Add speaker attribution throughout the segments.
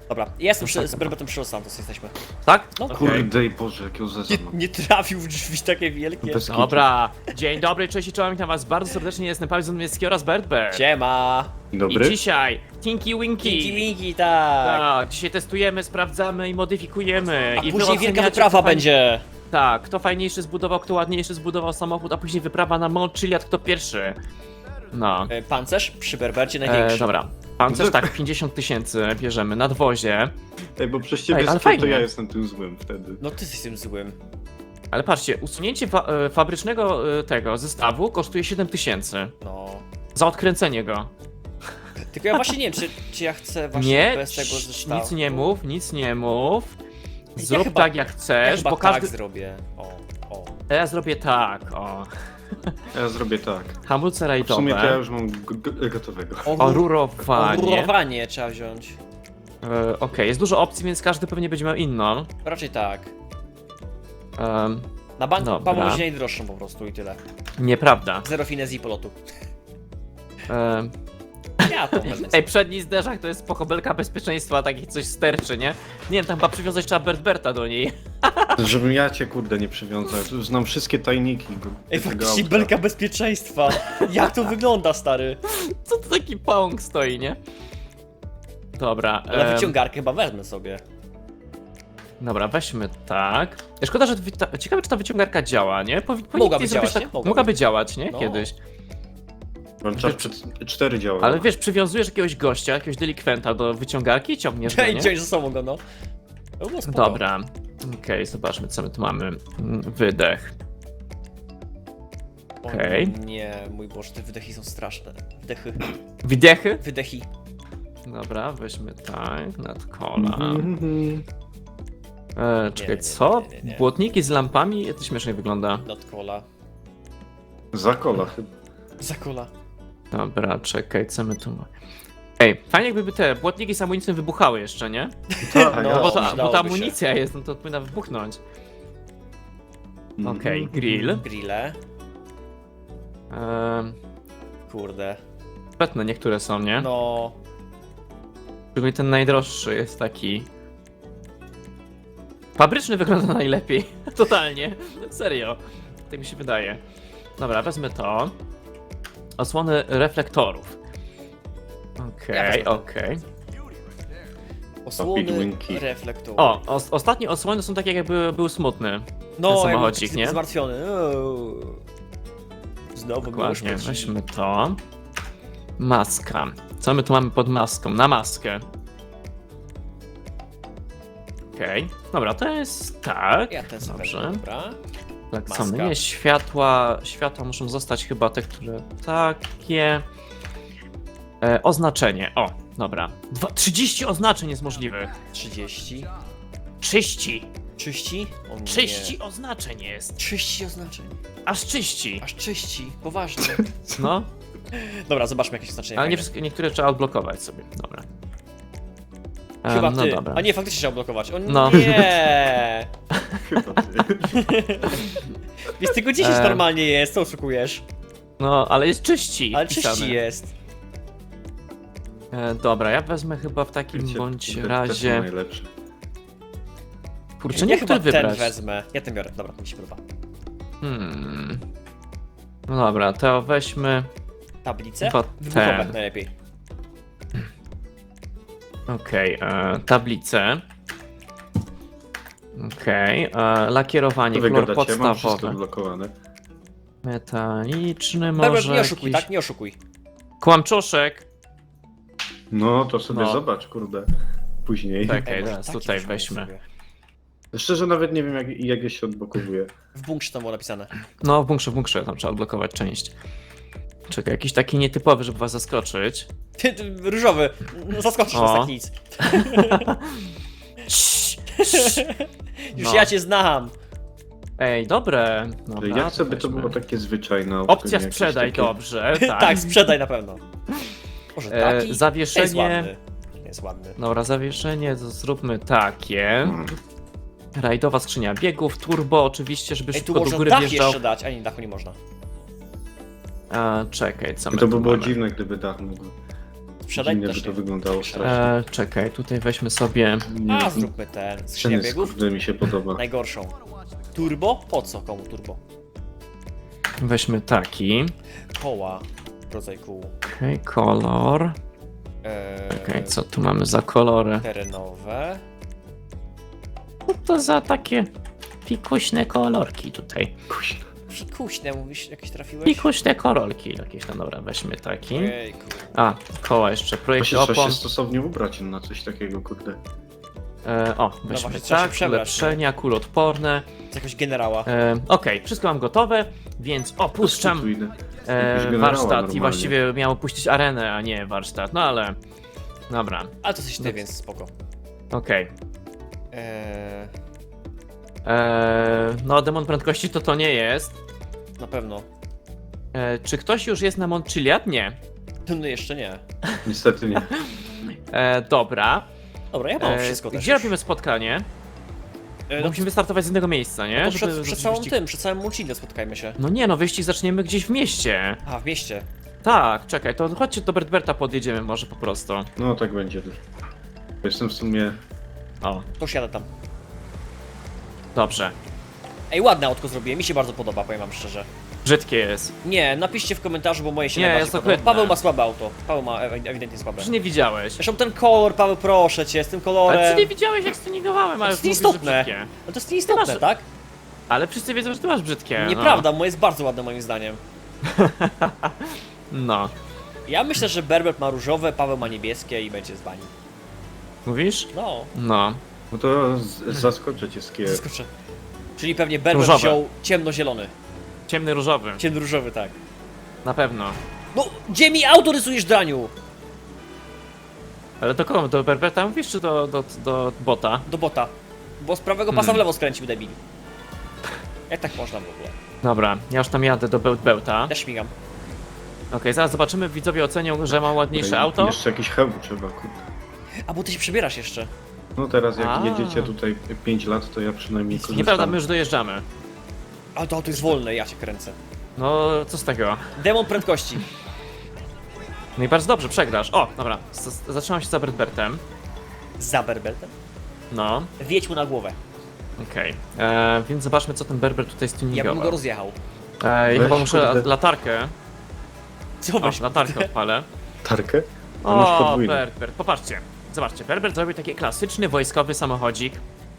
Speaker 1: Dobra, jestem z Berbetem przy Los Santos jesteśmy.
Speaker 2: Tak?
Speaker 1: No.
Speaker 2: Okej.
Speaker 3: Kurde i Boże, jakiego zeza mam.
Speaker 1: Nie trafił w drzwi takie wielkie.
Speaker 3: Bez kitu.
Speaker 2: Dobra, dzień dobry, cześć i czołem, witam was bardzo serdecznie, jestem Paweł Zamiecki oraz Bertbert.
Speaker 1: Siema.
Speaker 2: I
Speaker 3: Dobry?
Speaker 2: dzisiaj Tinky Winky.
Speaker 1: Winki, winki, tak.
Speaker 2: Tak, dzisiaj testujemy, sprawdzamy i modyfikujemy.
Speaker 1: A
Speaker 2: I wy
Speaker 1: później wielka
Speaker 2: oceniacie,
Speaker 1: wyprawa
Speaker 2: kto
Speaker 1: będzie.
Speaker 2: Tak, kto fajniejszy zbudował, kto ładniejszy zbudował samochód, a później wyprawa na Mont Chiliad, kto pierwszy. No.
Speaker 1: Pancerz przy Berbercie największy.
Speaker 2: Dobra. Pancerz tak, 50 000 bierzemy, nadwozie.
Speaker 3: Ej, bo przez ciebie
Speaker 2: Ej, ale
Speaker 3: to
Speaker 2: fajnie.
Speaker 3: ja jestem tym złym wtedy.
Speaker 1: No ty jesteś tym złym.
Speaker 2: Ale patrzcie, usunięcie fabrycznego tego zestawu kosztuje 7000
Speaker 1: No.
Speaker 2: za odkręcenie go.
Speaker 1: Tylko ja właśnie nie wiem, czy ja chcę właśnie
Speaker 2: Nie,
Speaker 1: bez tego zestawu.
Speaker 2: nic nie mów, nic nie mów.
Speaker 1: Ja
Speaker 2: Zrób
Speaker 1: chyba-
Speaker 2: tak jak chcesz,
Speaker 1: Ja chyba
Speaker 2: bo
Speaker 1: tak
Speaker 2: każdy...
Speaker 1: zrobię. O.
Speaker 2: Ja zrobię tak, o.
Speaker 3: Ja zrobię tak.
Speaker 2: Hamulce
Speaker 3: W sumie to ja
Speaker 2: rajdowe,
Speaker 3: już mam gotowego.
Speaker 2: orurowanie.
Speaker 1: Rurowanie trzeba wziąć.
Speaker 2: Okej, jest dużo opcji, więc każdy pewnie będzie miał inną.
Speaker 1: Raczej tak.
Speaker 2: Em,
Speaker 1: Na bank
Speaker 2: Dobra.
Speaker 1: Paweł będzie najdroższą po prostu i tyle.
Speaker 2: nieprawda.
Speaker 1: Zero finezji polotu.
Speaker 2: Em,
Speaker 1: Ja to wezmę.
Speaker 2: Ej, przedni zderzak to jest spoko belka bezpieczeństwa, taki coś sterczy, nie? Nie wiem, tam chyba przywiązać trzeba Berta do niej.
Speaker 3: Żebym ja cię kurde nie przywiązał. Już znam wszystkie tajniki.
Speaker 1: Ej,
Speaker 3: tego
Speaker 1: faktycznie
Speaker 3: auta.
Speaker 1: belka bezpieczeństwa. Jak to wygląda, stary?
Speaker 2: Co to taki pąk stoi, nie? Dobra.
Speaker 1: Ale wyciągarkę chyba wezmę sobie.
Speaker 2: Dobra, weźmy tak. Szkoda, że ciekawe, czy ta wyciągarka działa, nie?
Speaker 1: Mogłaby
Speaker 2: zrobić
Speaker 1: działać, nie?
Speaker 2: Mogłaby działać, nie?
Speaker 1: No.
Speaker 2: Kiedyś.
Speaker 3: Czas przed 4 działa.
Speaker 2: Ale wiesz, przywiązujesz jakiegoś gościa, jakiegoś delikwenta do wyciągarki i ciągniesz go,
Speaker 1: I
Speaker 2: nie?
Speaker 1: wziąć ze sobą go, no. To było spoko.
Speaker 2: Dobra. Okej, zobaczmy, co my tu mamy. Wydech.
Speaker 1: O
Speaker 2: okej.
Speaker 1: Nie, mój Boże, te wydechy są straszne. Wydechy.
Speaker 2: Wydechy?
Speaker 1: Wydechy.
Speaker 2: Dobra, weźmy tak, nad kola.
Speaker 3: Mhm.
Speaker 2: Czekaj,
Speaker 1: nie,
Speaker 2: co?
Speaker 1: nie.
Speaker 2: Błotniki z lampami? To śmiesznie wygląda.
Speaker 1: Not cola.
Speaker 3: Za kola chyba.
Speaker 1: Za cola.
Speaker 2: Dobra, czekaj, co my tu mamy? Ej, fajnie jakby te błotniki z amunicją wybuchały jeszcze, nie?
Speaker 3: Tak,
Speaker 1: No,
Speaker 3: ja
Speaker 2: Bo ta
Speaker 1: przydałoby się.
Speaker 2: amunicja jest, no to powinna wybuchnąć.
Speaker 3: Mhm.
Speaker 2: Okej, grill.
Speaker 1: Grille. Kurde.
Speaker 2: Petne niektóre są, nie?
Speaker 1: No.
Speaker 2: Szczególnie ten najdroższy jest taki... Fabryczny wygląda najlepiej. Totalnie. Serio. Tak mi się wydaje. Dobra, wezmę to. Osłony reflektorów.
Speaker 1: Ja
Speaker 2: Okej,
Speaker 1: wezmę to.
Speaker 2: okej.
Speaker 1: Osłony
Speaker 3: Speedwinki.
Speaker 1: reflektorów.
Speaker 2: O, ostatnie osłony są takie jakby był smutny.
Speaker 1: no,
Speaker 2: ten
Speaker 1: jakby
Speaker 2: samochodzik,
Speaker 1: taki
Speaker 2: nie?
Speaker 1: Zmartwiony. Znowu
Speaker 2: Dokładnie,
Speaker 1: miłość
Speaker 2: weźmy to. Maska. Co my tu mamy pod maską? Na maskę. Okej. Dobra, to jest tak.
Speaker 1: Ja ten sobie
Speaker 2: Dobrze.
Speaker 1: wezmę, dobra.
Speaker 2: Tak, co
Speaker 1: Maska.
Speaker 2: my nie? Światła muszą zostać chyba te, które takie. Oznaczenie. O, dobra. 30 oznaczeń jest możliwych.
Speaker 1: 30.
Speaker 2: 30.
Speaker 1: Czyści? O nie.
Speaker 2: 30 oznaczeń jest.
Speaker 1: 30 oznaczeń.
Speaker 2: Aż 30.
Speaker 1: Aż czyści. Poważnie.
Speaker 2: No,
Speaker 1: Dobra, zobaczmy jakieś oznaczenia.
Speaker 2: ale nie
Speaker 1: fajne.
Speaker 2: wszystkie, niektóre trzeba odblokować sobie. Dobra.
Speaker 1: Chyba
Speaker 2: no
Speaker 1: ty.
Speaker 2: dobra.
Speaker 1: A nie, faktycznie trzeba blokować. O
Speaker 2: No.
Speaker 1: nie!
Speaker 3: Chyba ty.
Speaker 1: Jest tylko 10
Speaker 2: Em.
Speaker 1: normalnie jest, co oszukujesz?
Speaker 2: No, ale jest czyści.
Speaker 1: Ale
Speaker 2: wpisane.
Speaker 1: czyści jest.
Speaker 2: Dobra, ja wezmę chyba w takim
Speaker 3: Wiecie,
Speaker 2: bądź
Speaker 3: te- te są
Speaker 2: razie.
Speaker 3: najlepsze.
Speaker 2: Kurczę,
Speaker 1: Ja
Speaker 2: nie
Speaker 1: chyba
Speaker 2: który
Speaker 1: ten
Speaker 2: wybrać.
Speaker 1: wezmę. Ja ten biorę, dobra, to mi się podoba.
Speaker 2: No dobra, to weźmy.
Speaker 1: Tablicę?
Speaker 2: Chyba
Speaker 1: Wybuchowe
Speaker 2: ten.
Speaker 1: najlepiej.
Speaker 2: Okej, tablicę. Okej, lakierowanie,
Speaker 3: To wy
Speaker 2: kolor
Speaker 3: gadacie, mam wszystko
Speaker 2: podstawowy.
Speaker 3: odblokowane.
Speaker 2: Metaliczny
Speaker 1: Dobra,
Speaker 2: może
Speaker 1: nie oszukuj,
Speaker 2: jakiś...
Speaker 1: tak? Nie oszukuj.
Speaker 2: Kłamczoszek.
Speaker 3: No, to sobie
Speaker 2: No.
Speaker 3: zobacz, kurde. Później.
Speaker 2: Tak. Okej,
Speaker 1: Ej, może
Speaker 2: teraz
Speaker 1: taki
Speaker 2: tutaj
Speaker 1: weźmy
Speaker 2: weźmy.
Speaker 1: sobie.
Speaker 3: Szczerze nawet nie wiem jak je się odblokowuje.
Speaker 1: W bunkrze tam było napisane.
Speaker 2: No, w bunkrze, tam trzeba odblokować część. Czekaj, jakiś taki nietypowy, żeby was zaskoczyć.
Speaker 1: Różowy. No, zaskoczysz nas
Speaker 2: O.
Speaker 1: tak nic.
Speaker 2: Cii, cii.
Speaker 1: Już
Speaker 2: No.
Speaker 1: ja cię znam.
Speaker 2: Ej, dobre. Dobra,
Speaker 3: Jak sobie to
Speaker 2: weźmy.
Speaker 3: było takie zwyczajne.
Speaker 2: Opcja
Speaker 3: jakieś
Speaker 2: sprzedaj,
Speaker 3: takie-
Speaker 2: dobrze, tak.
Speaker 1: Tak, sprzedaj na pewno. Może taki? Jest
Speaker 2: Zawieszenie.
Speaker 1: ładny. Jest ładny.
Speaker 2: Dobra, zawieszenie to zróbmy takie.
Speaker 3: Mm.
Speaker 2: Rajdowa skrzynia biegów, turbo oczywiście, żeby
Speaker 1: Ej, tu
Speaker 2: szybko do
Speaker 1: można
Speaker 2: góry
Speaker 1: dach
Speaker 2: wjeżdżał.
Speaker 1: jeszcze dać, a nie, dachu nie można.
Speaker 2: Czekaj, co my
Speaker 3: To
Speaker 2: tu
Speaker 3: by było
Speaker 2: mamy?
Speaker 3: dziwne, gdyby dach mógł.
Speaker 1: Sprzedaj
Speaker 3: Dziwnie
Speaker 1: też
Speaker 3: by to
Speaker 1: nie.
Speaker 3: wyglądało strasznie.
Speaker 2: Czekaj, tutaj weźmy sobie...
Speaker 3: Nie,
Speaker 1: A, zróbmy ten, skrzynię
Speaker 3: ten jest,
Speaker 1: biegów.
Speaker 3: kurde, mi się podoba.
Speaker 1: Najgorszą. Turbo? Po co komu turbo?
Speaker 2: Weźmy taki.
Speaker 1: Koła. Rodzaj kół.
Speaker 2: Okej, kolor. Okej, co tu mamy za kolory?
Speaker 1: Terenowe.
Speaker 2: Co to za takie pikuśne kolorki tutaj?
Speaker 3: Kuźno.
Speaker 1: Fikuśne, mówisz, jakieś trafiłeś?
Speaker 2: Pikuśne kolorki jakieś, no dobra, weźmy taki.
Speaker 1: Ojejku.
Speaker 2: A, koła jeszcze, projekt
Speaker 3: Właśnie trzeba
Speaker 2: opon.
Speaker 3: się stosownie ubrać na coś takiego, kurde.
Speaker 2: Weźmy
Speaker 1: właśnie, trzeba się
Speaker 2: tak,
Speaker 1: przebrać,
Speaker 2: ulepszenia, kulotporne.
Speaker 1: Z jakiegoś generała.
Speaker 2: Okej, wszystko mam gotowe, więc opuszczam
Speaker 3: Tu idę. Jakiegoś generała
Speaker 2: warsztat
Speaker 3: normalnie.
Speaker 2: i właściwie miało puścić arenę, a nie warsztat, no ale... Dobra,
Speaker 1: Ale to coś ty,
Speaker 2: No.
Speaker 1: więc spoko.
Speaker 2: okej.
Speaker 1: Eee,
Speaker 2: No, demon prędkości to nie jest.
Speaker 1: na pewno.
Speaker 2: Czy ktoś już jest na Mont Chiliad? Nie.
Speaker 1: No jeszcze nie.
Speaker 3: Niestety nie.
Speaker 2: Dobra.
Speaker 1: Dobra, ja mam wszystko też
Speaker 2: Gdzie
Speaker 1: już.
Speaker 2: robimy spotkanie?
Speaker 1: No,
Speaker 2: Bo musimy startować z innego miejsca, nie?
Speaker 1: no to
Speaker 2: Żeby
Speaker 1: przed
Speaker 2: zrobić
Speaker 1: całym
Speaker 2: wyścig.
Speaker 1: tym, przed całym Mulcinio spotkajmy się.
Speaker 2: No nie, no wyścig zaczniemy gdzieś w mieście.
Speaker 1: A, w mieście.
Speaker 2: Tak, czekaj, to chodźcie do Bertberta podjedziemy może po prostu.
Speaker 3: No tak będzie. Jestem w sumie...
Speaker 2: O,
Speaker 1: To siadę tam.
Speaker 2: dobrze.
Speaker 1: Ej, ładne autko zrobiłem, mi się bardzo podoba, powiem wam szczerze.
Speaker 2: Brzydkie jest.
Speaker 1: Nie, napiszcie w komentarzu, bo moje się
Speaker 2: Nie,
Speaker 1: najbardziej
Speaker 2: jest
Speaker 1: podoba.
Speaker 2: ohydne.
Speaker 1: Paweł ma słabe auto. Paweł ma ewidentnie słabe.
Speaker 2: Przecież nie widziałeś.
Speaker 1: Zresztą ten kolor, Paweł, proszę cię, z tym
Speaker 2: Ale
Speaker 1: kolorem.
Speaker 2: przecież nie widziałeś jak stuningowałem, ale
Speaker 1: To jest
Speaker 2: mówisz, że
Speaker 1: nieistotne.
Speaker 2: brzydkie.
Speaker 1: No to jest nieistotne,
Speaker 2: masz-
Speaker 1: tak?
Speaker 2: Ale wszyscy wiedzą, że ty masz brzydkie.
Speaker 1: Nieprawda, moje jest bardzo ładne moim zdaniem.
Speaker 2: No.
Speaker 1: Ja myślę, że Berbert ma różowe, Paweł ma niebieskie i będzie z bani.
Speaker 2: Mówisz?
Speaker 1: No,
Speaker 2: No.
Speaker 3: No to zaskoczę cię z kier.
Speaker 1: zaskoczę. Czyli pewnie Berbert
Speaker 2: Różowe.
Speaker 1: wziął ciemnozielony.
Speaker 2: Ciemny różowy.
Speaker 1: Ciemnoróżowy, tak.
Speaker 2: Na pewno.
Speaker 1: No, gdzie mi auto rysujesz, Draniu?
Speaker 2: Ale do kogo? Do Berberta mówisz, czy do bota?
Speaker 1: Do bota. Bo z prawego pasa w lewo skręcił, debil. Jak tak można w ogóle?
Speaker 2: Dobra, ja już tam jadę do Bełta.
Speaker 1: Ja śmigam.
Speaker 2: Okej, zaraz zobaczymy, widzowie ocenią, że mam ładniejsze
Speaker 3: Tutaj
Speaker 2: auto.
Speaker 3: Jeszcze jakiś hełm trzeba, kurde.
Speaker 1: A, bo ty się przebierasz jeszcze.
Speaker 3: No teraz jak
Speaker 2: A.
Speaker 3: jedziecie tutaj 5 lat, to ja przynajmniej korzystam.
Speaker 2: Nieprawda, my już dojeżdżamy.
Speaker 1: Ale to auto jest wolne, ja cię kręcę.
Speaker 2: No, co z tego?
Speaker 1: Demon prędkości.
Speaker 2: No i bardzo dobrze, przegrasz. O, dobra, zatrzymam się za Berbertem.
Speaker 1: Za Berbertem.
Speaker 2: No,
Speaker 1: Wjedź mu na głowę.
Speaker 2: okej. Więc zobaczmy, co ten Berber tutaj
Speaker 1: Ja bym
Speaker 2: stuningował.
Speaker 1: go rozjechał.
Speaker 2: Chyba
Speaker 3: Weź,
Speaker 2: muszę
Speaker 3: kurde.
Speaker 2: latarkę.
Speaker 1: Co
Speaker 2: O,
Speaker 1: weź?
Speaker 2: latarkę odpalę.
Speaker 3: Tarkę? A masz
Speaker 2: O,
Speaker 3: podwójną.
Speaker 2: Berbert, popatrzcie. Zobaczcie, Berbert zrobił taki klasyczny wojskowy samochodzik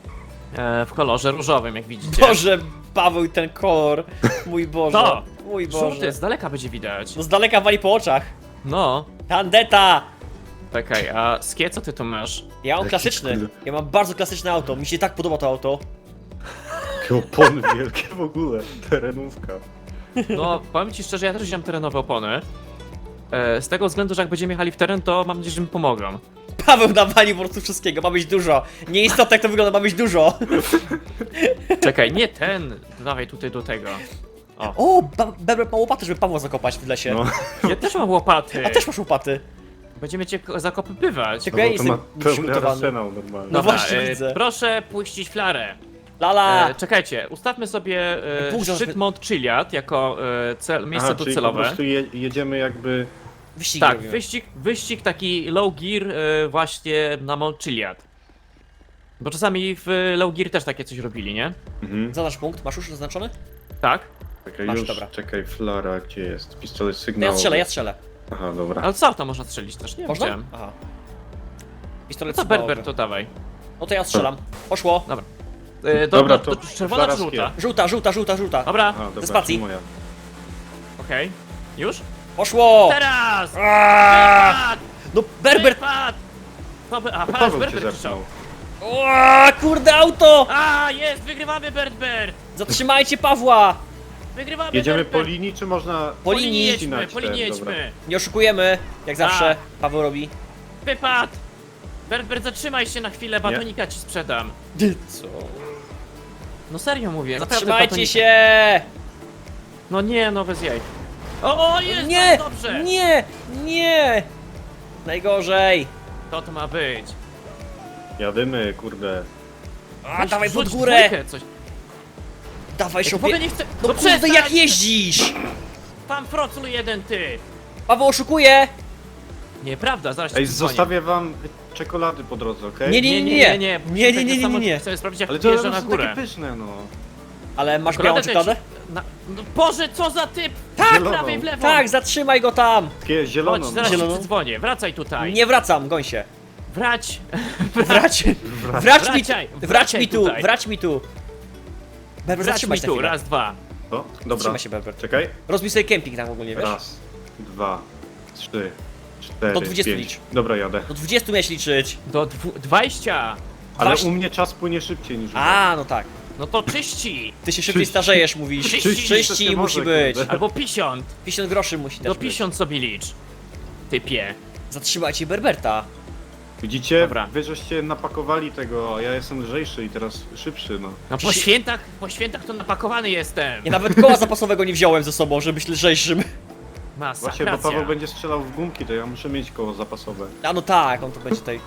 Speaker 2: w kolorze różowym, jak widzicie.
Speaker 1: Boże, Paweł i ten kolor. Mój Boże.
Speaker 2: To!
Speaker 1: Mój Boże.
Speaker 2: Żółty, z daleka będzie widać.
Speaker 1: No z daleka wali po oczach.
Speaker 2: No,
Speaker 1: Tandeta!
Speaker 2: czekaj, a Skie, co ty tu masz?
Speaker 1: Ja mam
Speaker 3: Jaki
Speaker 1: klasyczny.
Speaker 3: kurde.
Speaker 1: Ja mam bardzo klasyczne auto. Mi się tak podoba to auto.
Speaker 3: Jakie opony wielkie w ogóle. Terenówka.
Speaker 2: No, powiem ci szczerze, ja też wziąłem terenowe opony. Z tego względu, że jak będziemy jechali w teren, to mam nadzieję, że mi pomogą.
Speaker 1: Paweł nawalił po prostu wszystkiego. Ma być dużo. Nieistotne jak to wygląda, ma być dużo.
Speaker 2: Czekaj, nie ten, dawaj tutaj do tego.
Speaker 1: O, Berbert ma łopaty, żeby Pawła zakopać w lesie.
Speaker 3: No.
Speaker 2: Ja też mam łopaty.
Speaker 1: A też masz łopaty.
Speaker 2: Będziemy cię zakopywać.
Speaker 1: Tylko ja
Speaker 3: No, to ma
Speaker 1: jestem
Speaker 3: pełny
Speaker 1: przygotowany.
Speaker 3: arsenał normalnie.
Speaker 1: No właśnie, widzę.
Speaker 2: Proszę puścić flarę.
Speaker 1: Lala!
Speaker 2: Czekajcie, ustawmy sobie
Speaker 1: Punkt
Speaker 2: szczyt
Speaker 1: zaraz-
Speaker 2: Mont Chiliad jako miejsce
Speaker 3: Aha, czyli po
Speaker 2: docelowe.
Speaker 3: prostu jedziemy jakby...
Speaker 1: Wyścigi
Speaker 2: Tak,
Speaker 1: robimy.
Speaker 2: wyścig taki low gear właśnie na Mont Chiliad. Bo czasami w low gear też takie coś robili, nie?
Speaker 3: Mhm.
Speaker 1: Zaznacz punkt. Masz już zaznaczony?
Speaker 2: Tak.
Speaker 3: Czekaj,
Speaker 1: Masz,
Speaker 3: już,
Speaker 1: dobra.
Speaker 3: czekaj, flara, gdzie jest? Pistolet
Speaker 1: No
Speaker 3: sygnałowy.
Speaker 1: ja strzelę, ja strzelę.
Speaker 3: Aha, dobra.
Speaker 2: Ale co to można strzelić też? Nie
Speaker 1: Można?
Speaker 2: wiem.
Speaker 1: Aha.
Speaker 2: No
Speaker 1: Pistolet
Speaker 2: to
Speaker 1: sygnałowy.
Speaker 2: Berber, to dawaj.
Speaker 1: No to ja strzelam. Poszło.
Speaker 3: Dobra, to
Speaker 2: czerwona czy
Speaker 3: flara
Speaker 2: żółta?
Speaker 3: skie.
Speaker 1: Żółta, żółta, żółta, żółta.
Speaker 2: Dobra,
Speaker 3: Aha, dobra,
Speaker 1: spacji.
Speaker 3: to moja.
Speaker 2: okej. Już?
Speaker 1: Poszło!
Speaker 2: Teraz!
Speaker 1: Aaaa!
Speaker 2: Wypad!
Speaker 1: No Berbert!
Speaker 2: Wypad! A, patrz,
Speaker 3: Paweł cię
Speaker 2: Berber
Speaker 3: zepnął.
Speaker 2: krzyczał.
Speaker 1: O, kurde auto!
Speaker 2: A, jest! Wygrywamy, Berber!
Speaker 1: Zatrzymajcie Pawła!
Speaker 2: Wygrywamy,
Speaker 3: Jedziemy
Speaker 2: Berber!
Speaker 3: po linii, czy można...
Speaker 1: Po linii
Speaker 2: jedźmy,
Speaker 3: ścinać
Speaker 2: po linii
Speaker 3: ten? Dobra.
Speaker 2: jedźmy!
Speaker 1: Nie oszukujemy, jak zawsze
Speaker 2: Tak.
Speaker 1: Paweł robi.
Speaker 2: Wypad! Berber, zatrzymaj się na chwilę, batonika ci sprzedam.
Speaker 1: Co?
Speaker 2: No serio mówię, naprawdę
Speaker 1: Zatrzymajcie
Speaker 2: batonika.
Speaker 1: się!
Speaker 2: No nie, no bez jaj. O, jest!
Speaker 1: Nie!
Speaker 2: Dobrze!
Speaker 1: Nie! Nie! Najgorzej!
Speaker 2: To ma być.
Speaker 3: Jadymy, kurde.
Speaker 1: A,
Speaker 2: Weź
Speaker 1: dawaj pod
Speaker 2: wrzuć
Speaker 1: górę!
Speaker 2: dwójkę, coś.
Speaker 1: Dawaj
Speaker 2: Ja w ogóle
Speaker 1: sobie!
Speaker 2: nie chcę...
Speaker 1: No kurde,
Speaker 2: przestań!
Speaker 1: jak jeździsz!
Speaker 2: Pan Froclu jeden, ty!
Speaker 1: Paweł oszukuje!
Speaker 2: Nieprawda, zaraz ci
Speaker 3: Ej,
Speaker 2: dzwonię.
Speaker 3: zostawię wam czekolady po drodze, okej?
Speaker 2: Nie. Chcę sprawdzić jak
Speaker 3: Ale
Speaker 2: wjeżdża
Speaker 3: to
Speaker 2: na
Speaker 3: są
Speaker 2: górę.
Speaker 3: takie pyszne, no.
Speaker 1: Ale masz
Speaker 2: Czekoladę
Speaker 1: białą
Speaker 2: też-
Speaker 1: czekoladę?
Speaker 2: No Boże, co za typ!
Speaker 1: Tak,
Speaker 3: Zieloną.
Speaker 2: prawej w lewo!
Speaker 1: Tak, zatrzymaj go tam!
Speaker 3: Takie zieloną.
Speaker 2: Chodź, zaraz
Speaker 1: Zieloną.
Speaker 2: ci dzwonię, wracaj tutaj.
Speaker 1: Nie wracam, goń się.
Speaker 2: Wrać!
Speaker 1: Wrać
Speaker 2: Wracaj,
Speaker 1: wrać
Speaker 2: wracaj
Speaker 1: mi tu,
Speaker 2: tutaj.
Speaker 1: wrać mi tu. Berber,
Speaker 2: Wrać
Speaker 1: zatrzymaj
Speaker 2: mi
Speaker 1: się
Speaker 2: tu,
Speaker 1: chwilę.
Speaker 2: raz, dwa.
Speaker 3: O, dobra.
Speaker 1: Zatrzymaj się, Berber.
Speaker 3: Czekaj.
Speaker 1: Rozbij sobie kemping tam ogólnie, wiesz?
Speaker 3: Raz, 2, 3, 4,
Speaker 1: Do 20
Speaker 3: 5.
Speaker 1: licz.
Speaker 3: Dobra, jadę.
Speaker 1: Do 20 miałeś liczyć.
Speaker 2: Do 20!
Speaker 3: Ale
Speaker 1: Właśnie.
Speaker 3: u mnie czas płynie szybciej niż u was.
Speaker 1: A, no tak.
Speaker 2: No to czyści!
Speaker 1: Ty się szybciej
Speaker 3: Czyści.
Speaker 1: starzejesz, mówisz.
Speaker 2: Czyści
Speaker 1: Czyści
Speaker 3: nie
Speaker 1: musi
Speaker 3: może,
Speaker 1: być.
Speaker 3: kurde.
Speaker 2: Albo 50!
Speaker 1: 50 groszy musi też
Speaker 2: Do
Speaker 1: być.
Speaker 2: 50 sobie licz. Typie.
Speaker 1: Zatrzymajcie Berberta.
Speaker 3: Widzicie?
Speaker 2: Dobra.
Speaker 3: Wy żeście napakowali tego, a ja jestem lżejszy i teraz szybszy, no.
Speaker 2: No po świętach to napakowany jestem.
Speaker 1: Ja nawet koła zapasowego nie wziąłem ze sobą, żeby być lżejszym.
Speaker 2: Masa,
Speaker 3: Właśnie, bo Paweł będzie strzelał w gumki, to ja muszę mieć koło zapasowe.
Speaker 1: A no tak, on to będzie tutaj.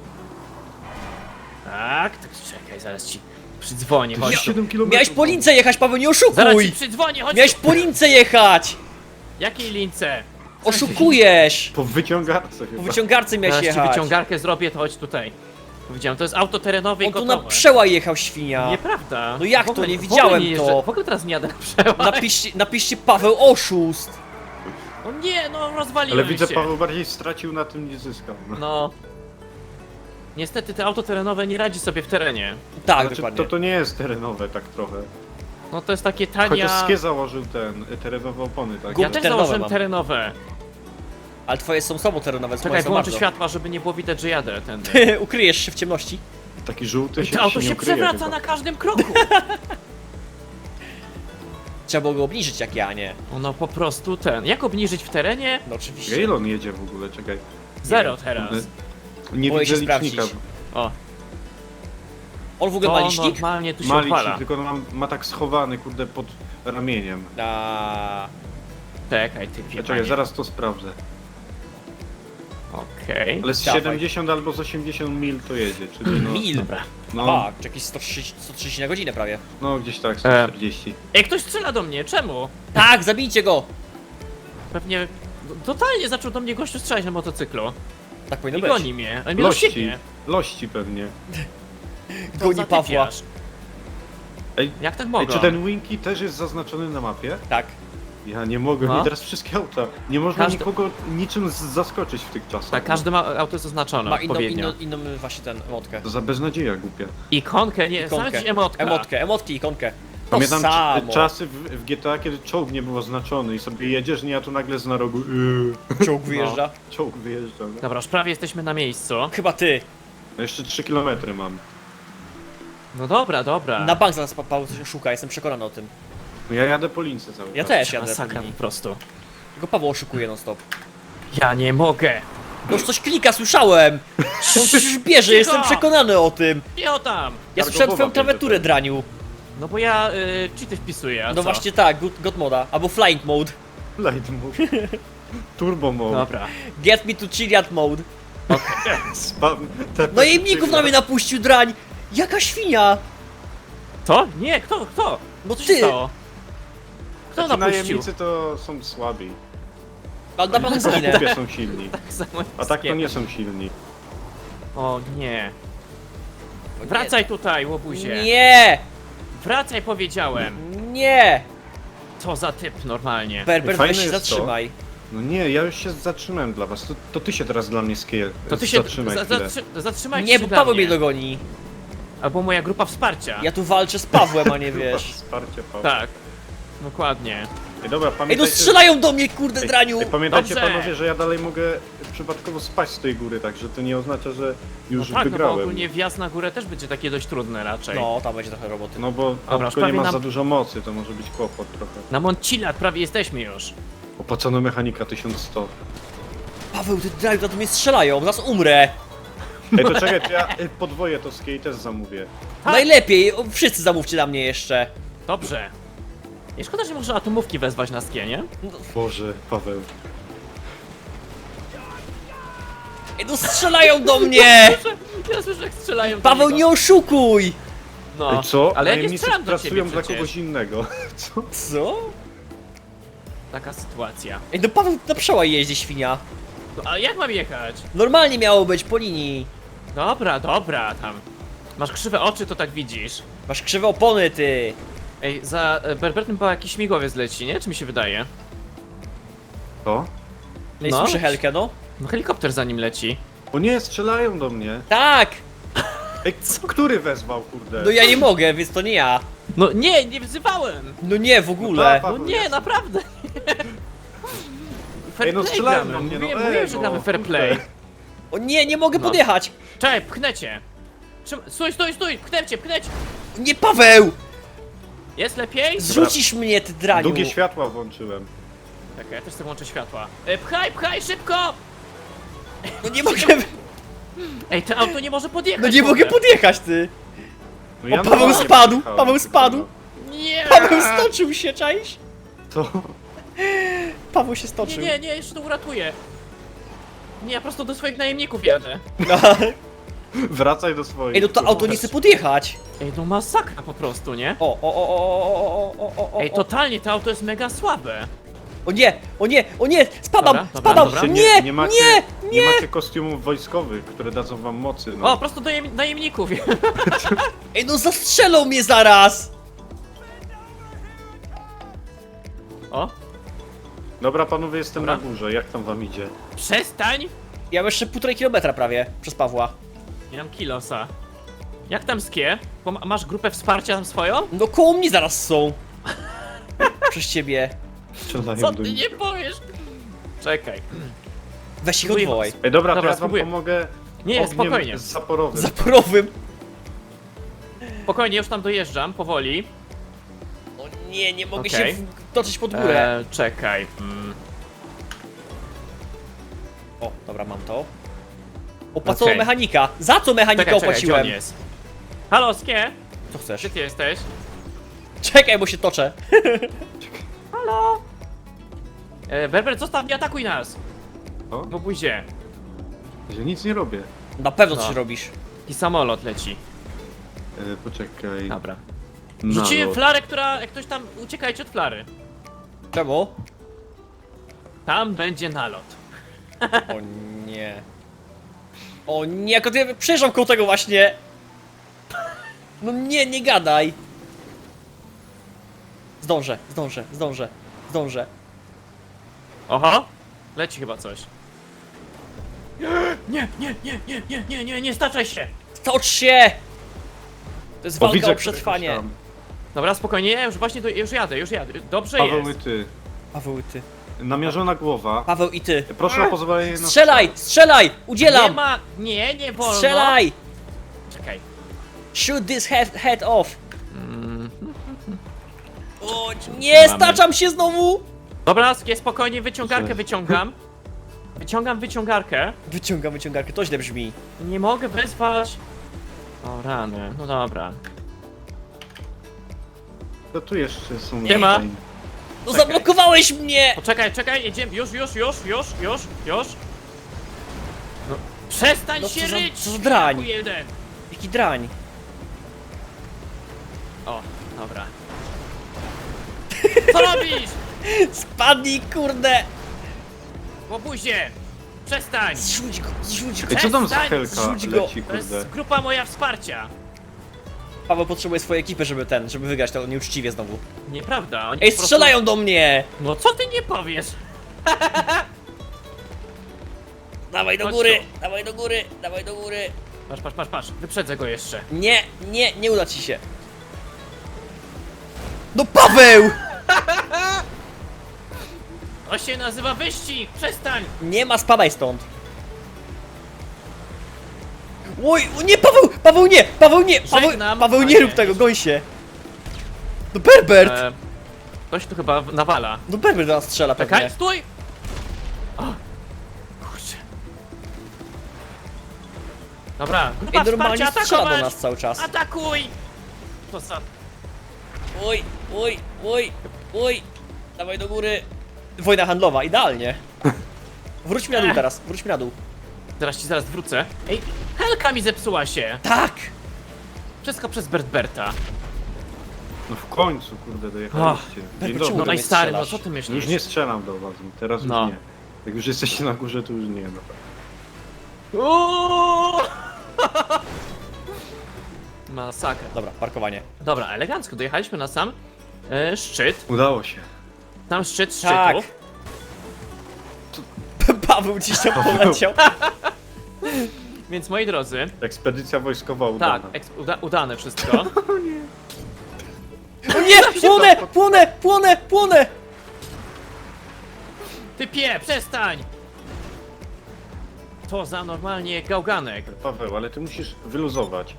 Speaker 2: Tak, czekaj, zaraz ci przydzwonię, chodź tu.
Speaker 3: 7 km.
Speaker 1: Miałeś po lince jechać, Paweł, nie
Speaker 2: Zaraz ci
Speaker 1: oszukuj!
Speaker 2: przydzwonię, chodź
Speaker 1: Miałeś
Speaker 2: tu.
Speaker 1: po lince jechać!
Speaker 2: Jakiej lince?
Speaker 1: Oszukujesz!
Speaker 3: Po wyciągarce
Speaker 1: Po
Speaker 3: chyba.
Speaker 1: wyciągarce miałeś
Speaker 2: Zaraz ci
Speaker 1: jechać.
Speaker 2: wyciągarkę zrobię, to chodź tutaj. Powiedziałem, to jest auto terenowe i
Speaker 1: On tu
Speaker 2: gotowe.
Speaker 1: na przełaj jechał, świnia.
Speaker 2: Nieprawda.
Speaker 1: No jak
Speaker 2: W ogóle-
Speaker 1: to? Nie
Speaker 2: w
Speaker 1: widziałem
Speaker 2: ogóle nie jeżdżę-
Speaker 1: to.
Speaker 2: W ogóle teraz nie jadę na przełaj.
Speaker 1: Napiszcie Paweł oszust!
Speaker 2: No nie, no rozwaliłem
Speaker 3: Ale widzę,
Speaker 2: się.
Speaker 3: Paweł bardziej stracił na tym, nie zyskał. No.
Speaker 2: No. Niestety te auto terenowe nie radzi sobie w terenie.
Speaker 1: Tak,
Speaker 3: Znaczy,
Speaker 1: dokładnie.
Speaker 3: to nie jest terenowe tak trochę.
Speaker 2: No to jest takie
Speaker 3: Chociaż
Speaker 2: tania...
Speaker 3: Skie założył terenowe opony, tak?
Speaker 1: Gum-
Speaker 2: Ja też
Speaker 1: terenowe
Speaker 2: założyłem
Speaker 1: mam.
Speaker 2: terenowe.
Speaker 1: Ale twoje są sobą terenowe,
Speaker 2: Czekaj,
Speaker 1: moje są
Speaker 2: wyłączę
Speaker 1: bardzo.
Speaker 2: światła, żeby nie było widać, że jadę ten.
Speaker 1: Ukryjesz się w ciemności.
Speaker 3: Taki żółty się,
Speaker 2: To auto
Speaker 3: nie
Speaker 2: się
Speaker 3: ukryje
Speaker 2: przewraca
Speaker 3: chyba.
Speaker 2: na każdym kroku.
Speaker 1: Trzeba było go obniżyć jak ja, nie?
Speaker 2: No po prostu ten. Jak obniżyć w terenie?
Speaker 1: No oczywiście.
Speaker 3: Ile on jedzie w ogóle? Czekaj.
Speaker 2: Zero teraz.
Speaker 3: Nie
Speaker 1: Boję
Speaker 3: widzę
Speaker 1: się sprawdzić.
Speaker 3: licznika.
Speaker 2: O,
Speaker 1: On w ogóle ma
Speaker 2: to
Speaker 1: licznik?
Speaker 2: normalnie tu się
Speaker 3: Ma
Speaker 2: odpala.
Speaker 3: licznik, tylko ma tak schowany, kurde, pod ramieniem.
Speaker 1: A...
Speaker 2: Czekaj, ty
Speaker 3: Czekaj,
Speaker 2: panie.
Speaker 3: zaraz to sprawdzę.
Speaker 2: Okej.
Speaker 3: Ale z
Speaker 1: Dawaj.
Speaker 3: 70 albo z 80 mil to jedzie, czyli no...
Speaker 1: Mil.
Speaker 2: Dobra.
Speaker 3: No,
Speaker 1: A, czy jakieś 130 na godzinę prawie.
Speaker 3: no gdzieś tak, 140.
Speaker 2: Ej, ktoś strzela do mnie, czemu?
Speaker 1: Tak, zabijcie go!
Speaker 2: Pewnie... Totalnie zaczął do mnie gościu strzelać na motocyklu.
Speaker 1: Tak powinno
Speaker 2: I
Speaker 1: być.
Speaker 2: goni mnie. On mnie
Speaker 3: Lości,
Speaker 2: rozsieknie.
Speaker 3: lości pewnie.
Speaker 2: Co
Speaker 1: Goni
Speaker 2: za
Speaker 1: Pawła.
Speaker 2: typiarz.
Speaker 3: Ej,
Speaker 2: Jak tak
Speaker 3: ej,
Speaker 2: mogą?
Speaker 3: czy ten Winky też jest zaznaczony na mapie?
Speaker 1: Tak.
Speaker 3: Ja nie mogę,
Speaker 2: No.
Speaker 3: mi teraz wszystkie auta. Nie można
Speaker 2: Każdy-
Speaker 3: nikogo niczym zaskoczyć w tych czasach.
Speaker 2: Tak, każdy ma auto zaznaczone
Speaker 1: Ma inną,
Speaker 2: odpowiednio.
Speaker 1: inną właśnie ten emotkę.
Speaker 3: To za beznadzieja głupia.
Speaker 2: Ikonkę, nie,
Speaker 1: Ikonkę.
Speaker 2: znaleźć emotka.
Speaker 1: Emotkę, ikonkę. To
Speaker 3: Pamiętam
Speaker 1: samo.
Speaker 3: czasy w GTA, kiedy czołg nie był oznaczony i sobie jedziesz, nie, a tu nagle z na rogu
Speaker 1: Czołg wyjeżdża.
Speaker 3: czołg wyjeżdża. No.
Speaker 2: Dobra, już prawie jesteśmy na miejscu.
Speaker 1: Chyba ty.
Speaker 3: No jeszcze 3 km mam.
Speaker 2: No dobra, dobra.
Speaker 1: Na bank zaraz Paweł coś szuka, jestem przekonany o tym.
Speaker 3: No ja jadę po lince cały
Speaker 1: Ja
Speaker 3: czas.
Speaker 1: też jadę po
Speaker 2: Masakra po
Speaker 1: linii.
Speaker 2: prostu.
Speaker 1: Tylko Paweł oszukuje non stop.
Speaker 2: Ja nie mogę.
Speaker 1: No już coś klika, słyszałem! On coś już bierze, jestem przekonany o tym.
Speaker 2: Nie o tam.
Speaker 1: Ja
Speaker 3: Targowowa
Speaker 1: słyszałem twoją
Speaker 3: bierze
Speaker 1: klawiaturę,
Speaker 3: to.
Speaker 1: draniu.
Speaker 2: No bo ja cheaty wpisuję, a
Speaker 1: No
Speaker 2: co?
Speaker 1: właśnie tak, God moda, albo flying mode.
Speaker 3: Light mode. Turbo mode.
Speaker 2: Dobra.
Speaker 1: Get me to Chiliad mode.
Speaker 3: Spam.
Speaker 1: No i mników na mnie napuścił, drań! Jaka świnia!
Speaker 2: To? Nie, kto?
Speaker 1: No
Speaker 2: Co się
Speaker 1: ty!
Speaker 2: stało? Kto
Speaker 3: Ci
Speaker 2: napuścił?
Speaker 3: najemnicy to są słabi.
Speaker 1: Ale na pewno
Speaker 3: W
Speaker 1: zginę.
Speaker 3: kupie są silni.
Speaker 2: Samo
Speaker 3: A tak to
Speaker 2: jest
Speaker 3: nie są silni.
Speaker 2: O nie. Wracaj tutaj, łobuzie.
Speaker 1: Nie!
Speaker 2: Wracaj, powiedziałem.
Speaker 1: Nie!
Speaker 2: Co za typ normalnie.
Speaker 1: Berber,
Speaker 3: Fajne
Speaker 1: weź się
Speaker 3: jest to.
Speaker 1: zatrzymaj.
Speaker 3: No nie, ja już się zatrzymałem dla was. To ty się teraz dla mnie
Speaker 2: To ty się
Speaker 3: zatrzymaj chwilę.
Speaker 2: zatrzymaj
Speaker 1: Nie,
Speaker 2: się
Speaker 1: bo
Speaker 2: dla
Speaker 1: Paweł
Speaker 2: mnie.
Speaker 1: mnie dogoni.
Speaker 2: Albo moja grupa wsparcia.
Speaker 1: Ja tu walczę z Pawłem, a nie
Speaker 3: Grupa
Speaker 1: wiesz.
Speaker 3: Wsparcie, Paweł.
Speaker 2: Tak. Dokładnie.
Speaker 3: Ej, dobra,
Speaker 1: Ej, no
Speaker 3: pamiętajcie...
Speaker 1: strzelają do mnie, kurde, draniu!
Speaker 3: Ej, pamiętajcie
Speaker 2: Dobrze.
Speaker 3: panowie, że ja dalej mogę przypadkowo spaść z tej góry, także to nie oznacza, że już
Speaker 2: No tak, no bo
Speaker 3: wygrałem.
Speaker 2: ogólnie wjazd na górę też będzie takie dość trudne raczej.
Speaker 1: No, tam będzie trochę roboty.
Speaker 3: No bo
Speaker 2: Dobra,
Speaker 3: autko nie
Speaker 2: prawie
Speaker 3: ma
Speaker 2: nam-
Speaker 3: za dużo mocy, to może być kłopot trochę.
Speaker 2: Na Moncilat prawie jesteśmy już.
Speaker 3: Opłacona mechanika 1100.
Speaker 1: Paweł, ty draniu, to mnie strzelają, zaraz umrę.
Speaker 3: Ej, to czekaj, to ja podwoję to skiej też zamówię.
Speaker 2: Tak.
Speaker 1: Najlepiej, wszyscy zamówcie na mnie jeszcze.
Speaker 2: Dobrze. Nie szkoda, że można atomówki wezwać na skie, nie?
Speaker 3: Boże, Paweł.
Speaker 1: Ej, no strzelają do mnie!
Speaker 2: Ja słyszę, jak strzelają do
Speaker 1: Paweł,
Speaker 2: niego.
Speaker 1: nie oszukuj!
Speaker 2: No.
Speaker 3: Ej, co?
Speaker 2: Ale ja nie
Speaker 3: Najemnicy
Speaker 2: strzelam do ciebie
Speaker 3: pracują dla
Speaker 2: przecież.
Speaker 3: kogoś innego. Co?
Speaker 1: Co?
Speaker 2: Taka sytuacja.
Speaker 1: Ej, no Paweł na przełaj jeździ, świnia.
Speaker 2: A jak mam jechać?
Speaker 1: Normalnie miało być po linii.
Speaker 2: Dobra, dobra, tam. Masz krzywe oczy, to tak widzisz.
Speaker 1: Masz krzywe opony, ty.
Speaker 2: Ej, za Berbertem chyba jakiś śmigłowiec leci, nie? Czy mi się wydaje?
Speaker 3: To?
Speaker 1: Ej,
Speaker 2: No.
Speaker 1: słyszę Helkę, no.
Speaker 2: No helikopter za nim leci.
Speaker 3: O nie, strzelają do mnie.
Speaker 1: Tak!
Speaker 3: Ej, który wezwał, kurde?
Speaker 1: No ja nie mogę, więc to nie ja.
Speaker 2: No nie, nie wzywałem!
Speaker 1: No nie, w ogóle.
Speaker 3: No
Speaker 2: No nie, naprawdę! Fair
Speaker 3: Ej, no
Speaker 2: play
Speaker 3: strzelają
Speaker 2: gramy.
Speaker 3: do mnie, no
Speaker 2: Mówiłem, że gramy fair play.
Speaker 3: kurde.
Speaker 1: O nie, nie mogę
Speaker 2: No.
Speaker 1: podjechać.
Speaker 2: Czekaj, pchnę cię! Stój, stój, stój! Pchnę cię, pchnę cię!
Speaker 1: Nie, Paweł!
Speaker 2: Jest lepiej?
Speaker 1: Zrzucisz mnie, ty draniu.
Speaker 3: Długie światła włączyłem.
Speaker 2: Czekaj, ja też sobie włączę światła. Pchaj, pchaj, szybko!
Speaker 1: No nie mogę,
Speaker 2: Ej, to auto nie może podjechać.
Speaker 1: no nie
Speaker 2: w
Speaker 1: mogę
Speaker 2: ogóle.
Speaker 1: podjechać, ty.
Speaker 3: No
Speaker 1: O, Paweł
Speaker 3: normalnie
Speaker 1: spadł,
Speaker 3: pojechałem
Speaker 1: Paweł
Speaker 3: tylko,
Speaker 1: spadł.
Speaker 3: no.
Speaker 2: Nie!
Speaker 1: Paweł stoczył się, czaisz?
Speaker 3: Co?
Speaker 1: Paweł się
Speaker 2: Nie,
Speaker 1: stoczył.
Speaker 2: nie, nie, jeszcze to uratuję. Nie, ja prosto do swoich najemników jadę.
Speaker 1: No.
Speaker 3: Wracaj do swoich.
Speaker 1: Ej, no to auto nie chce podjechać.
Speaker 2: Ej, no masakra po prostu, nie?
Speaker 1: O.
Speaker 2: Ej, totalnie, to auto jest mega słabe.
Speaker 1: O nie, o nie, o nie, spadam,
Speaker 2: Dobra, dobra,
Speaker 1: spadam.
Speaker 2: dobra.
Speaker 1: Nie,
Speaker 3: nie macie,
Speaker 1: nie,
Speaker 3: nie macie kostiumów wojskowych, które dadzą wam mocy. No.
Speaker 2: O, prosto do najemników.
Speaker 1: Ej, no zastrzelą mnie zaraz.
Speaker 2: O,
Speaker 3: Dobra, panowie, jestem
Speaker 2: Dobra.
Speaker 3: na górze. Jak tam wam idzie?
Speaker 2: przestań!
Speaker 1: Ja mam jeszcze 1,5 kilometra prawie przez Pawła.
Speaker 2: Nie mam kilosa. Jak tam skie? Masz grupę wsparcia tam swoją?
Speaker 1: No koło mnie zaraz są. Przez ciebie.
Speaker 3: Strzelają
Speaker 2: Co
Speaker 3: do
Speaker 2: ty
Speaker 3: nich.
Speaker 2: nie powiesz? Czekaj.
Speaker 1: Weź ich
Speaker 2: Spróbuję
Speaker 1: odwołaj.
Speaker 3: Ej, dobra,
Speaker 2: Dobra,
Speaker 3: to ja wam
Speaker 2: spróbuję.
Speaker 3: pomogę
Speaker 2: Nie,
Speaker 3: ogniem
Speaker 2: spokojnie.
Speaker 3: zaporowym.
Speaker 1: Zaporowym.
Speaker 2: Spokojnie, już tam dojeżdżam, powoli.
Speaker 1: O nie, nie mogę
Speaker 2: Okej.
Speaker 1: się toczyć pod górę.
Speaker 2: Czekaj.
Speaker 1: O, dobra, mam to. Opłacono
Speaker 2: Okej.
Speaker 1: mechanika. Za co mechanika
Speaker 2: Czekaj, gdzie on
Speaker 1: opłaciłem?
Speaker 2: jest? Halo, skie?
Speaker 1: Co chcesz?
Speaker 2: Gdzie ty jesteś?
Speaker 1: Czekaj, bo się toczę.
Speaker 2: Halo? Berber, zostaw, nie atakuj nas!
Speaker 3: O?
Speaker 2: No buzie.
Speaker 3: Że nic nie robię.
Speaker 1: Na pewno
Speaker 2: No.
Speaker 1: coś robisz.
Speaker 2: I samolot leci.
Speaker 3: Poczekaj.
Speaker 2: Dobra.
Speaker 3: Nalot.
Speaker 2: Rzuciłem flarę, która... Jak ktoś tam... Uciekajcie od flary.
Speaker 1: Czemu?
Speaker 2: Tam będzie nalot.
Speaker 1: O nie. O nie, jak ja przejeżdżam koło tego właśnie. No nie, nie gadaj. Zdążę.
Speaker 2: Oho! Leci chyba coś. Nie, staczaj się!
Speaker 1: Stocz się! To jest
Speaker 3: O,
Speaker 1: walka
Speaker 3: widzę
Speaker 1: o
Speaker 3: któregoś
Speaker 1: przetrwanie.
Speaker 3: tam.
Speaker 2: Dobra, spokojnie, ja już właśnie już jadę. Dobrze
Speaker 3: Paweł i
Speaker 2: jest.
Speaker 3: ty.
Speaker 1: Paweł i ty.
Speaker 3: Namierzona głowa.
Speaker 1: Paweł i ty.
Speaker 3: Proszę o pozwolenie na
Speaker 1: Strzelaj! Strzelaj!
Speaker 2: Nie
Speaker 1: Udzielam!
Speaker 2: ma... Nie wolno.
Speaker 1: Strzelaj!
Speaker 2: Czekaj.
Speaker 1: Shoot this head off! O nie,
Speaker 2: Mamy.
Speaker 1: staczam się znowu!
Speaker 2: Dobra, skie, spokojnie, wyciągarkę
Speaker 3: Że-
Speaker 2: wyciągam. Wyciągam wyciągarkę.
Speaker 1: Wyciągam wyciągarkę, to źle brzmi.
Speaker 2: Nie mogę wezwać. O rany, no dobra.
Speaker 3: To tu jeszcze są...
Speaker 2: Nie ma.
Speaker 1: No
Speaker 2: Czekaj.
Speaker 1: zablokowałeś mnie!
Speaker 2: Czekaj, jedziemy, już. No, przestań
Speaker 1: No
Speaker 2: się
Speaker 1: co za-
Speaker 2: ryć!
Speaker 1: co za drań.
Speaker 2: świniaku jeden.
Speaker 1: Jaki drań.
Speaker 2: O, dobra. Co robisz?
Speaker 1: Spadnij, kurde!
Speaker 2: Łobuzie! Przestań!
Speaker 1: Zrzuć go!
Speaker 3: Ej, co tam za
Speaker 2: Przestań,
Speaker 3: helka
Speaker 1: zrzuć go.
Speaker 3: leci,
Speaker 2: To jest
Speaker 3: kurde?
Speaker 2: grupa moja wsparcia.
Speaker 1: Paweł potrzebuje swojej ekipy, żeby wygrać to nieuczciwie znowu.
Speaker 2: Nieprawda, oni
Speaker 1: Ej,
Speaker 2: po prostu-
Speaker 1: strzelają do mnie!
Speaker 2: No co ty nie powiesz?
Speaker 1: Dawaj do
Speaker 2: Chodź
Speaker 1: góry!
Speaker 2: tu.
Speaker 1: Dawaj do góry!
Speaker 2: Patrz, wyprzedzę go jeszcze.
Speaker 1: Nie uda ci się. No Paweł!
Speaker 2: To się nazywa wyścig! Przestań!
Speaker 1: Nie ma, spadaj stąd. Oj, o nie,
Speaker 2: Żegnam,
Speaker 1: Paweł, nie
Speaker 2: panie.
Speaker 1: rób tego, goń się. No Berbert!
Speaker 2: Ktoś tu chyba nawala.
Speaker 1: No Berbert do nas strzela pewnie.
Speaker 2: Czekaj, stój! O! Kurczę. Dobra, grupa
Speaker 1: Ej, normalnie
Speaker 2: wsparcia,
Speaker 1: strzela do
Speaker 2: atakować!
Speaker 1: nas cały czas.
Speaker 2: Atakuj! To za...
Speaker 1: Oj. Dawaj do góry. Wojna handlowa, idealnie. Wróćmy na dół teraz, wróćmy na dół.
Speaker 2: Zaraz wrócę. Ej, helka mi zepsuła się!
Speaker 1: Tak!
Speaker 2: Wszystko przez Bertberta.
Speaker 3: No w końcu, kurde, dojechaliście. Dzień
Speaker 1: Czemu
Speaker 2: No
Speaker 3: dobry.
Speaker 1: do
Speaker 2: i
Speaker 1: mnie
Speaker 2: stary, no
Speaker 1: strzelasz?
Speaker 2: co ty myślisz?
Speaker 3: Już nie strzelam do was, teraz
Speaker 2: No.
Speaker 3: już nie. Jak już jesteście na górze, to już nie, no tak.
Speaker 2: Uuuu! Masakra.
Speaker 1: Dobra, parkowanie.
Speaker 2: Dobra, elegancko, dojechaliśmy na sam szczyt.
Speaker 3: Udało się.
Speaker 2: Sam szczyt
Speaker 1: Tak.
Speaker 2: szczytów.
Speaker 1: Paweł gdzieś tam poleciał.
Speaker 2: Więc moi drodzy,
Speaker 3: Ekspedycja wojskowa udana.
Speaker 2: tak, udane wszystko.
Speaker 1: O nie! Płonę!
Speaker 2: Typie, przestań! To za normalnie gałganek.
Speaker 3: Paweł, ale ty musisz wyluzować.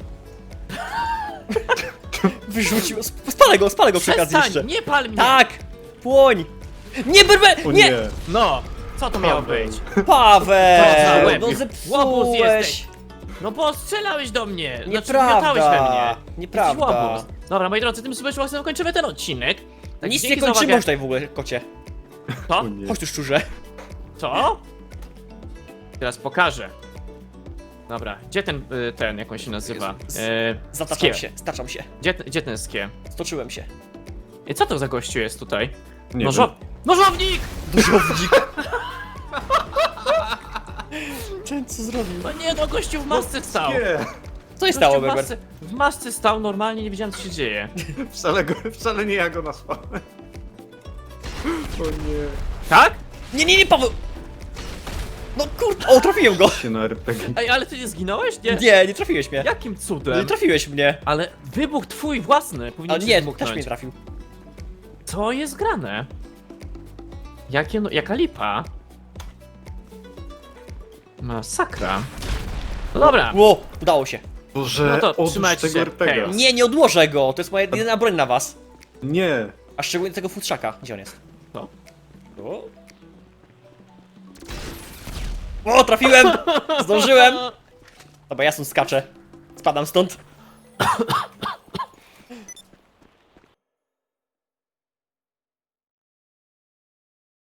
Speaker 1: Wyrzucił. Spalę go przy okazji jeszcze.
Speaker 2: Przestań, nie pal mnie!
Speaker 1: Tak! Płoń! Nie, berbe!
Speaker 3: O
Speaker 1: Nie!
Speaker 3: nie!
Speaker 2: No, co to miało
Speaker 3: Paweł.
Speaker 2: być?
Speaker 3: To za
Speaker 1: Paweł!
Speaker 3: łeb.
Speaker 1: No
Speaker 2: Łobuz
Speaker 1: zepsułeś!
Speaker 2: jesteś. No bo strzelałeś do mnie! miotałeś we mnie!
Speaker 1: Nieprawda!
Speaker 2: Jesteś
Speaker 1: Nieprawda!
Speaker 2: łobuz. Dobra, moi drodzy, tym super szlakiem kończymy ten odcinek. Tak,
Speaker 1: Nic nie
Speaker 2: dzięki za
Speaker 1: kończymy
Speaker 2: uwagę.
Speaker 1: już tutaj w ogóle, kocie.
Speaker 2: Co?
Speaker 3: O nie.
Speaker 1: Chodź tu szczurze.
Speaker 2: Co? Teraz pokażę. Dobra, gdzie ten, jak on się nazywa?
Speaker 1: Zataczam
Speaker 2: Skie.
Speaker 1: się, staczam się.
Speaker 2: Gdzie ten skie?
Speaker 1: Stoczyłem się.
Speaker 2: I co to za gościu jest tutaj?
Speaker 3: Nie
Speaker 2: Nożownik!
Speaker 1: Dużownik. Ten co zrobił?
Speaker 2: No nie, no gościu w masce stał.
Speaker 3: Nie!
Speaker 1: Co się
Speaker 2: Gościu
Speaker 1: stało,
Speaker 2: w
Speaker 1: Berber?
Speaker 2: masce, w masce stał, normalnie nie wiedziałem co się dzieje.
Speaker 3: Wcale nie ja go nasłałem. O nie.
Speaker 2: Tak?
Speaker 1: Nie, Paweł! No kurde, o, trafiłem go!
Speaker 3: Się na RPG.
Speaker 2: Ej, ale ty nie zginąłeś? Nie.
Speaker 1: Nie trafiłeś mnie.
Speaker 2: Jakim
Speaker 1: Nie
Speaker 2: cudem?
Speaker 1: trafiłeś mnie.
Speaker 2: Ale wybuch twój własny, powinien
Speaker 1: Ale
Speaker 2: cię
Speaker 1: nie,
Speaker 2: wybuchnąć.
Speaker 1: też mnie trafił.
Speaker 2: Co jest grane? Jaka lipa? Masakra. No dobra.
Speaker 1: Ło, udało się.
Speaker 3: Boże,
Speaker 2: No to
Speaker 3: odłóż
Speaker 2: trzymajcie
Speaker 3: tego
Speaker 2: się.
Speaker 3: RPG.
Speaker 2: Chaos.
Speaker 1: Nie odłożę go, to jest moja jedyna broń na was.
Speaker 3: Nie.
Speaker 1: A szczególnie tego futrzaka. Gdzie on jest?
Speaker 2: Co?
Speaker 1: O, trafiłem! Zdążyłem! Dobra, ja stąd skaczę. Spadam stąd.